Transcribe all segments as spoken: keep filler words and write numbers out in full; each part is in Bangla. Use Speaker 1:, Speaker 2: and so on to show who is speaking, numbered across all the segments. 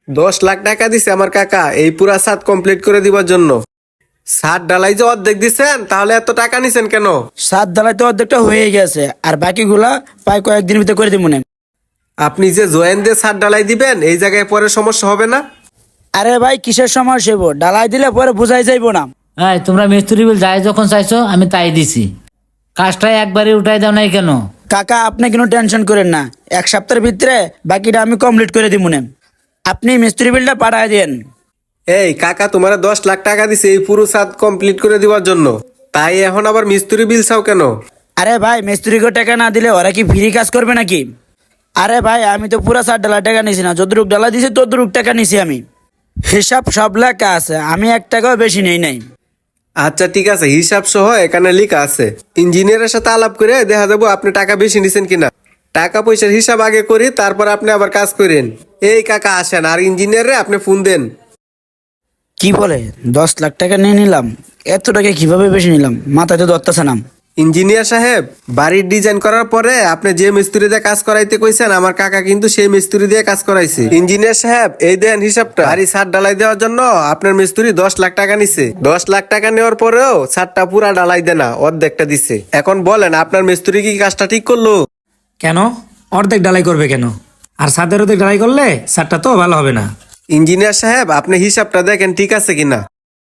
Speaker 1: দশ লাখ টাকা দিছে আমার কাকা এই পুরা ছাদ কমপ্লিট করে দিবার জন্য। ছাদ ঢালাই যে অর্ধেক দিছেন, তাহলে এত টাকা নিছেন কেন?
Speaker 2: সাত ঢালাই তো অর্ধেকটা হয়ে গেছে, আর বাকিগুলা প্রায় কয়েকদিনের ভিতরে করে দিব মনে।
Speaker 1: আপনি যে জয়েন দিয়ে ছাদ ঢালাই দিবেন, এই জায়গায় পরে সমস্যা হবে না?
Speaker 2: আরে ভাই কিসের সমস্যা হইব, ডালাই দিলে পরে বুঝাই যাইব না।
Speaker 3: হ্যাঁ, তোমরা মিস্ত্রি বিল যাই যখন চাইছো আমি তাই দিছি, কাজটা একবারে উঠাই দাও নাই কেন?
Speaker 2: কাকা আপনি কোনো টেনশন করেন না, এক সপ্তাহের ভিতরে বাকিটা আমি কমপ্লিট করে দিব মনে। আপনি মিস্ত্রি বিলটা পাঠায় দেন।
Speaker 1: এই কাকা, তোমার দশ লাখ টাকা দিছে এই পুরো ছাদ কমপ্লিট করে দিবার জন্য, তাই এখন আবার মিস্ত্রি বিল চাও কেন?
Speaker 2: আরে ভাই মিস্ত্রিকে টাকা না দিলে ওরা কি ফ্রি কাজ করবে নাকি? আরে ভাই আমি তো পুরা সাত ডালা টাকা নিছি না, যতটুক ডালা দিছি ততটুক টাকা নিছি আমি। হিসাব সব লেখা আছে, আমি এক টাকাও বেশি নেই নাই।
Speaker 1: আচ্ছা ঠিক আছে, হিসাব সহ এখানে লেখা আছে। ইঞ্জিনিয়ারের সাথে আলাপ করে দেখা যাবো আপনি টাকা বেশি নিছেন কিনা। টাকা পয়সার হিসাব আগে করি, তারপর আপনি আবার কাজ করেন। এই কাকা আসেন, আর ইঞ্জিনিয়ারে আপনি ফোন দেন।
Speaker 2: কি বলে দশ লাখ টাকা নিয়ে নিলাম? এত টাকা কিভাবে বেশি নিলাম, মাথায় তো ধরতেছে না।
Speaker 1: ইঞ্জিনিয়ার সাহেব, বাড়ির ডিজাইন করার পরে আপনি যে মিস্ত্রি দিয়ে কাজ করাইতে কইছেন, আমার কাকা কিন্তু সেই মিস্ত্রি দিয়ে কাজ করাইছে। ইঞ্জিনিয়ার সাহেব এই দেন হিসাবটা। বাড়ি ছাদ ঢালাই দেওয়ার জন্য আপনার মিস্ত্রি দশ লাখ টাকা নিছে। দশ লাখ টাকা নেওয়ার পরেও ছাদটা পুরা ঢালাই দেয় না, অর্ধেকটা দিছে। এখন বলেন আপনার মিস্ত্রি কি কাজটা ঠিক করলো?
Speaker 4: কেন অর্ধেক ডালাই করবে কেন? আর ছাদের অর্ধেক ডালাই করলে ছাদটা তো ভালো হবে না।
Speaker 1: ইঞ্জিনিয়ার সাহেব আপনি হিসাবটা দেখেন ঠিক আছে কিনা।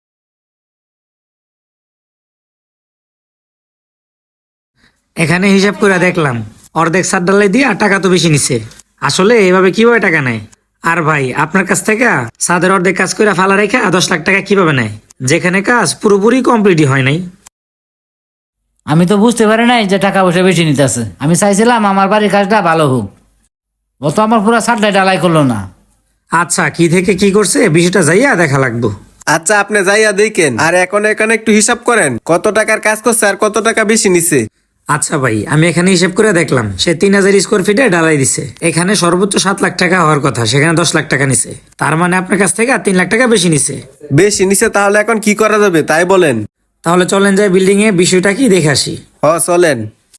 Speaker 4: এখানে হিসাব করে দেখলাম অর্ধেক ছাদ ডালাই দিয়ে আর টাকা তো বেশি নিছে। আসলে এভাবে কিভাবে টাকা নেয়? আর ভাই আপনার কাছ থেকে ছাদের অর্ধেক কাজ করে ফালা রেখে দশ লাখ টাকা কিভাবে নেয়, যেখানে কাজ পুরোপুরি কমপ্লিটই হয় নাই?
Speaker 3: আমি তো বুঝতে পারি নাই যে টাকা পয়সা বেশি নিতেছে। আমি চাইছিলাম আমার বাড়ির কাজটা ভালো হোক, ও তো আমার পুরো ছাদটাই ডালাই করলো না।
Speaker 4: আচ্ছা কি থেকে কি করছে বিষয়টা যাইয়া দেখা লাগবো।
Speaker 1: আচ্ছা আপনি যাইয়া দেখেন, আর এখন এখানে একটু হিসাব করেন কত টাকার কাজ করছে আর কত টাকা বেশি নিছে।
Speaker 4: আচ্ছা ভাই আমি এখানে হিসেব করে দেখলাম সে তিন হাজার স্কোয়ার ফিটে ডালাই দিছে। এখানে সর্বোচ্চ সাত লাখ টাকা হওয়ার কথা, সেখানে দশ লাখ টাকা নিছে। তার মানে আপনার কাছ থেকে তিন লাখ টাকা বেশি নিছে।
Speaker 1: বেশি নিছে, তাহলে এখন কি করা যাবে তাই বলেন।
Speaker 4: তাহলে চলেন যাই বিল্ডিং এ বিষয়টা কি দেখে আসি।
Speaker 1: হ চলেন।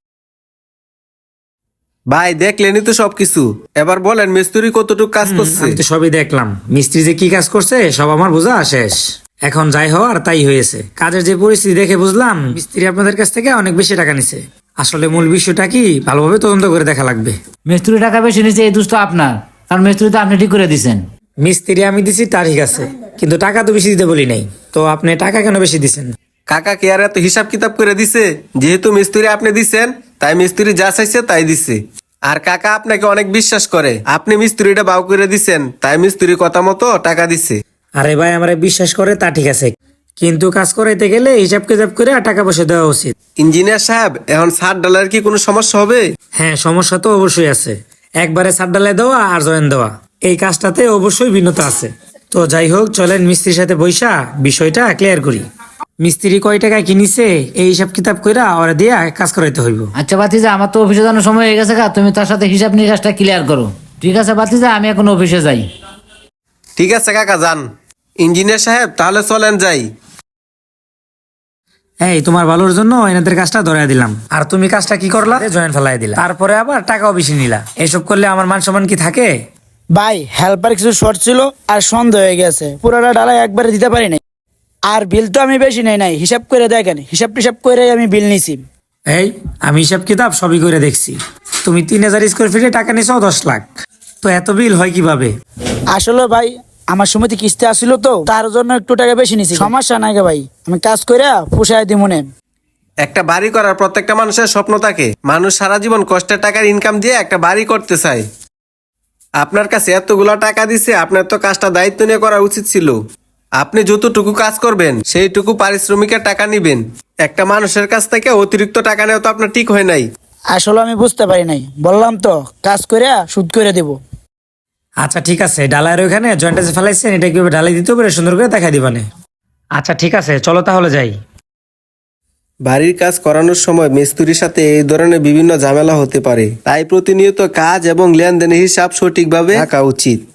Speaker 1: ভাই দেখলেনই তো সবকিছু, এবার বলেন মিস্ত্রি কতটুকু কাজ করছে।
Speaker 4: আমি তো সবই দেখলাম, মিস্ত্রি যে কি কাজ করছে সব আমার বোঝা শেষ। এখন যাই হওয়ার তাই হয়েছে। কাজের যে পরিস্থিতি দেখে বুঝলাম মিস্ত্রি আপনাদের কাছ থেকে অনেক বেশি টাকা নিছে। আসলে মূল বিষয়টা কি ভালোভাবে তদন্ত করে দেখা লাগবে।
Speaker 3: মিস্ত্রি টাকা বেশি নিচ্ছে এই দুষ্ট আপনার, কারণ মিস্ত্রি তো আপনি ঠিক করে দিছেন।
Speaker 4: মিস্ত্রি আমি দিছি তা ঠিক আছে, কিন্তু টাকা তো বেশি দিতে বলি নাই। তো আপনি টাকা কেন বেশি দিছেন?
Speaker 1: কাকা কে আর এত হিসাব কিতাব করে দিছে? যেহেতু মিস্ত্রি আপনি দিছেন, তাই মিস্ত্রি যা চাইছে তাই দিছে। আর কাকা আপনাকে অনেক বিশ্বাস করে, আপনি মিস্ত্রিটা বাউ করে দিছেন, তাই মিস্ত্রি কথা মতো টাকা দিছে।
Speaker 4: আরে ভাই আমার বিশ্বাস করে তা ঠিক আছে, কিন্তু কাজ করাইতে গেলে হিসাব কিতাব করে আর টাকা পয়সা দেওয়া উচিত।
Speaker 1: ইঞ্জিনিয়ার সাহেব এখন ছাদ ডালার কি কোনো সমস্যা হবে?
Speaker 4: হ্যাঁ সমস্যা তো অবশ্যই আছে। একবারে ছাদ ডালাই দেওয়া আর জয়েন দেওয়া এই কাজটাতে অবশ্যই ভিন্নতা আছে। তো যাই হোক চলেন মিস্ত্রির সাথে বৈশা বিষয়টা ক্লিয়ার করি। মিস্ত্রি কয় টাকা কিনিছে এই হিসাব কিতাব কইরা ওরা দিয়া কাজ করাইতে হইব।
Speaker 3: আচ্ছা বাতিজা, আমার তো অফিসে যাওয়ার সময় হয়ে গেছে, তুমি তার সাথে হিসাব নিকাশটা ক্লিয়ার করো। ঠিক আছে বাতিজা, আমি এখন অফিসে যাই।
Speaker 1: ঠিক আছে কাকা যান। ইঞ্জিনিয়ার সাহেব তাহলে চলেন যাই।
Speaker 4: এই তোমার ভালোর জন্য এনাদের কাজটা ধরাই দিলাম, আর তুমি কাজটা কি করলা? জয়েন ফেলাই দিলা, তারপরে আবার টাকাও বেশি নিলা। এসব করলে আমার মান সম্মান কি থাকে?
Speaker 2: ভাই হেল্পার কিছু শর্ট ছিল আর সন্দেহ হয়ে গেছে, পুরোটা ডালা একবারে দিতে পারি নাই। আর বিল তো আমি বেশি নেই নাই, হিসাব করে দেখেন, হিসাব টিসাব করে আমি বিল নিছি।
Speaker 4: এই আমি হিসাব কিতাব সবই করে দেখছি, তুমি তিন হাজার স্কোয়ার ফিটে টাকা নিছো দশ লাখ, তো এত বিল হয় কিভাবে?
Speaker 2: আসলে ভাই আমার সময় কিস্তি আসছিল তো, তার জন্য একটু টাকা বেশি নিছি। সমস্যা নাই গে ভাই, আমি কাজ করে পোষায় দিব মনে।
Speaker 1: একটা বাড়ি করার প্রত্যেকটা মানুষের স্বপ্ন থাকে। মানুষ সারা জীবন কষ্টের টাকার ইনকাম দিয়ে একটা বাড়ি করতে চায়। আপনার কাছে এতগুলা টাকা দিছে, আপনার তো কাজটা দায়িত্ব নিয়ে করা উচিত ছিল। আপনি যতটুকু কাজ করবেন সেইটুকু পারিশ্রমিকের টাকা নিবেন। একটা মানুষের কাছ থেকে অতিরিক্ত টাকা নেওয়া তো আপনার ঠিক হয় নাই।
Speaker 2: আসলে আমি বুঝতে পারি নাই, বললাম তো কাজ করে সুদ করে দেব।
Speaker 4: আচ্ছা ঠিক আছে, ডালার ওখানে জয়েন্টে যে ফেলাইছেন এটা কিভাবে ডালাই দিতে পারে সুন্দর করে দেখাই দিবানে। আচ্ছা ঠিক আছে চলো তাহলে যাই।
Speaker 1: বাড়ির কাজ করানোর সময় মিস্ত্রির সাথে এই ধরনের বিভিন্ন ঝামেলা হতে পারে, তাই প্রতিনিয়ত কাজ এবং লেনদেনের হিসাব সঠিকভাবে রাখা উচিত।